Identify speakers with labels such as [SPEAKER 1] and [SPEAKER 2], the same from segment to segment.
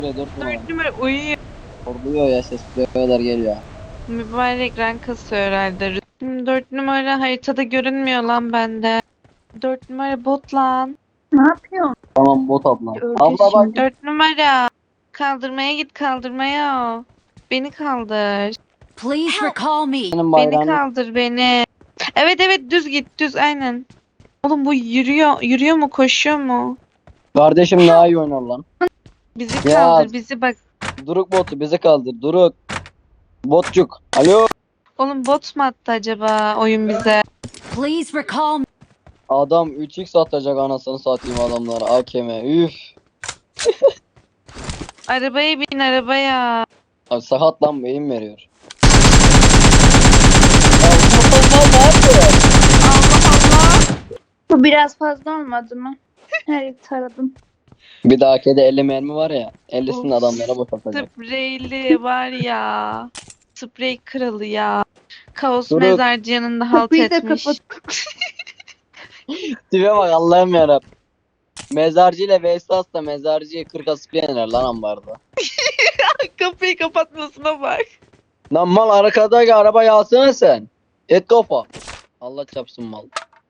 [SPEAKER 1] 4 numara.
[SPEAKER 2] 4 numara uyuyor.
[SPEAKER 1] Horluyor ya, ses buraya kadar geliyor.
[SPEAKER 2] Mübarek rank kasıyor herhalde. 4 numara haritada görünmüyor lan bende. 4 numara bot lan.
[SPEAKER 3] Ne yapıyorsun?
[SPEAKER 1] Tamam bot abla.
[SPEAKER 3] Öleceğiz
[SPEAKER 1] Abla bak.
[SPEAKER 3] şimdi.
[SPEAKER 2] 4 numara. Kaldırmaya git kaldırmaya. Beni kaldır.
[SPEAKER 4] Please recall me.
[SPEAKER 1] Benim
[SPEAKER 2] Beni
[SPEAKER 1] bayrağını
[SPEAKER 2] kaldır beni. Evet evet düz git düz aynen. Oğlum bu yürüyor mu koşuyor mu?
[SPEAKER 1] kardeşim daha iyi oynar lan.
[SPEAKER 2] Bizi
[SPEAKER 1] Ya.
[SPEAKER 2] kaldır bizi bak.
[SPEAKER 1] Duruk botu bizi kaldır. Duruk. Botçuk. Alo.
[SPEAKER 2] Oğlum bot mu attı acaba oyun bize?
[SPEAKER 4] Please recall me.
[SPEAKER 1] Adam 3x atacak anasını satayım adamlara. AKM. Üf.
[SPEAKER 2] Arabaya bin arabaya.
[SPEAKER 1] Abi sakat lan beyin veriyor. Ya bu motor ne yapıyor?
[SPEAKER 2] Allah Allah.
[SPEAKER 3] Bu biraz fazla olmadı mı? Her yeri taradım.
[SPEAKER 1] Bir dahaki de 50 mermi var ya. 50'sini
[SPEAKER 2] Of.
[SPEAKER 1] adamlara boşaltacak.
[SPEAKER 2] Spreyli var ya. Sprey kralı ya. Kaos
[SPEAKER 1] Durun.
[SPEAKER 2] mezarcı yanında halt
[SPEAKER 3] Kapıyı da
[SPEAKER 2] etmiş.
[SPEAKER 3] kapat.
[SPEAKER 1] Tipe bak Allah'ım yarabbim. Mezarcı ile Veysas da mezarcıyı 40'a sıkıyener lan ambarda.
[SPEAKER 2] Kapıyı kapatmasına bak.
[SPEAKER 1] Lan mal arkadaki arabayı alsana sen. Et kafa. Allah çapsın mal.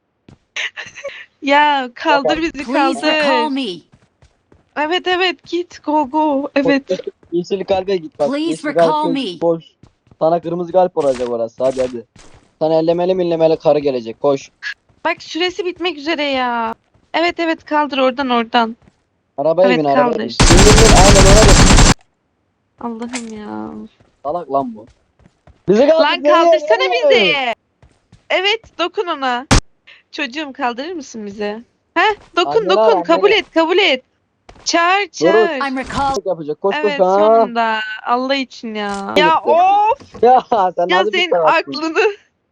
[SPEAKER 2] Ya kaldır bizi
[SPEAKER 4] Please recall
[SPEAKER 2] kaldır.
[SPEAKER 4] me.
[SPEAKER 2] Evet evet git go go. Evet.
[SPEAKER 1] Yeşil kalbe git bak.
[SPEAKER 4] Please
[SPEAKER 1] Yeşil
[SPEAKER 4] recall
[SPEAKER 1] kalbe
[SPEAKER 4] me.
[SPEAKER 1] koş. Sana kırmızı kalp olacak orası, hadi hadi. Sana ellemeli millemeli karı gelecek, koş.
[SPEAKER 2] Bak süresi bitmek üzere ya. Evet evet kaldır oradan.
[SPEAKER 1] Arabaya
[SPEAKER 2] Evet,
[SPEAKER 1] bin arabaya
[SPEAKER 2] kaldır.
[SPEAKER 1] bin. Bin, aynen ona bin.
[SPEAKER 2] Allah'ım ya.
[SPEAKER 1] Salak lan bu. Bizi kaldır.
[SPEAKER 2] Lan kaldırsana bizi. Evet dokun ona. Çocuğum kaldırır mısın bizi? Heh dokun
[SPEAKER 1] Annene
[SPEAKER 2] dokun
[SPEAKER 1] bak,
[SPEAKER 2] kabul
[SPEAKER 1] annene.
[SPEAKER 2] et kabul et. Çağır.
[SPEAKER 4] I'm recall.
[SPEAKER 1] Yapacak, koş
[SPEAKER 2] Evet
[SPEAKER 1] koş ha.
[SPEAKER 2] sonunda. Allah için ya. Ya
[SPEAKER 1] Bitti.
[SPEAKER 2] of.
[SPEAKER 1] Ya sen
[SPEAKER 2] Ya
[SPEAKER 1] nasıl bir
[SPEAKER 2] senin
[SPEAKER 1] salaksın?
[SPEAKER 2] aklını.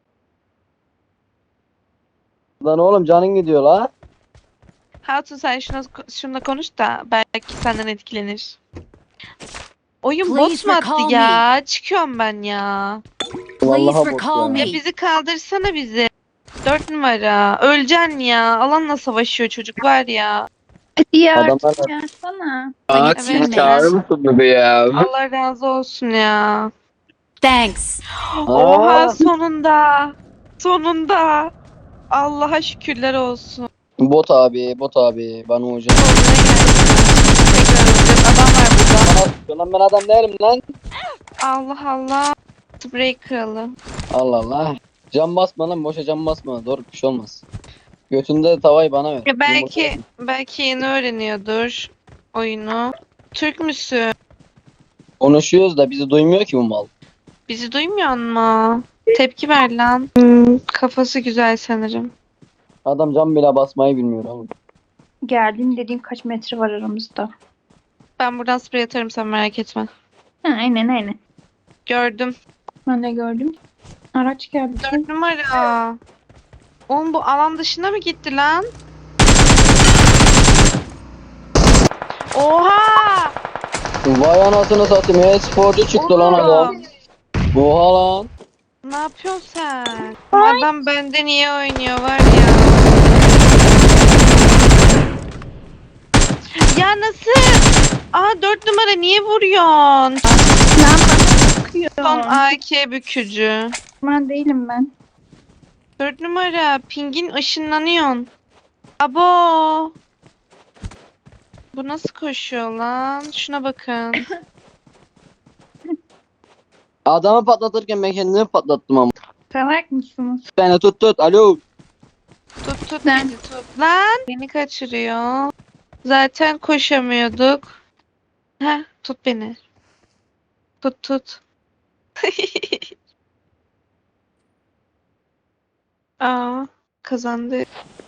[SPEAKER 1] Lan oğlum canın gidiyor la.
[SPEAKER 2] Hatun sen şununla konuş da belki senden etkilenir. Oyun bot
[SPEAKER 4] Please
[SPEAKER 2] mu attı
[SPEAKER 4] recall
[SPEAKER 2] ya? Çıkıyorum ben ya.
[SPEAKER 1] Vallahi
[SPEAKER 4] Please
[SPEAKER 1] bot
[SPEAKER 4] recall
[SPEAKER 1] ya.
[SPEAKER 4] me.
[SPEAKER 2] Ya bizi kaldırsana bizi. 4 numara. Öleceksin ya. Alanla savaşıyor çocuk var ya.
[SPEAKER 3] Hadi ya
[SPEAKER 1] Adamlar
[SPEAKER 3] artık yansana.
[SPEAKER 4] Bak,
[SPEAKER 2] Evet,
[SPEAKER 4] siz çağırır
[SPEAKER 1] mısın bebe ya?
[SPEAKER 2] Allah razı olsun ya.
[SPEAKER 4] Thanks.
[SPEAKER 2] Oha sonunda. Sonunda. Allah'a şükürler olsun.
[SPEAKER 1] Bot abi, bot abi. Bana hocam.
[SPEAKER 2] Sonuna geldik. Tekrar öleceğiz. Adam var burada.
[SPEAKER 1] Lan ben adam değilim lan.
[SPEAKER 2] Allah Allah. Spray kralı.
[SPEAKER 1] Allah Allah. Cam basma lan, boşa cam basma. Doğru bir şey olmaz. Götünde tavayı bana ver.
[SPEAKER 2] Ya belki yeni öğreniyordur oyunu. Türk müsün?
[SPEAKER 1] Konuşuyoruz da bizi duymuyor ki bu mal.
[SPEAKER 2] Bizi duymuyor mu? Tepki ver lan. Kafası güzel sanırım.
[SPEAKER 1] Adam cam bile basmayı bilmiyor oğlum.
[SPEAKER 3] Geldim dediğim kaç metre var aramızda.
[SPEAKER 2] Ben buradan sprey atarım sen merak etme.
[SPEAKER 3] Ha, aynen.
[SPEAKER 2] Gördüm.
[SPEAKER 3] Ben de gördüm. Araç geldi.
[SPEAKER 2] 4 numara. Oğlum bu alan dışına mı gitti lan? Oha!
[SPEAKER 1] Vay anasını satayım. E-sporcu çıktı lan adam. Oha lan.
[SPEAKER 2] Ne yapıyorsun sen? Adam benden iyi oynuyor var ya. Ya nasıl? Aa 4 numara niye vuruyorsun?
[SPEAKER 3] Lan bana sıkıyor.
[SPEAKER 2] Son AK bükücü.
[SPEAKER 3] Ben değilim ben.
[SPEAKER 2] 4 numara pingin ışınlanıyorsun. Abo. Bu nasıl koşuyor lan? Şuna bakın.
[SPEAKER 1] Adamı patlatırken ben kendimi patlattım ama.
[SPEAKER 3] Salak mısınız?
[SPEAKER 1] Beni tut. Alo.
[SPEAKER 2] Tut
[SPEAKER 3] Lan.
[SPEAKER 2] bizi tut. Lan beni kaçırıyor. Zaten koşamıyorduk. Heh tut beni. Tut. Aa kazandı.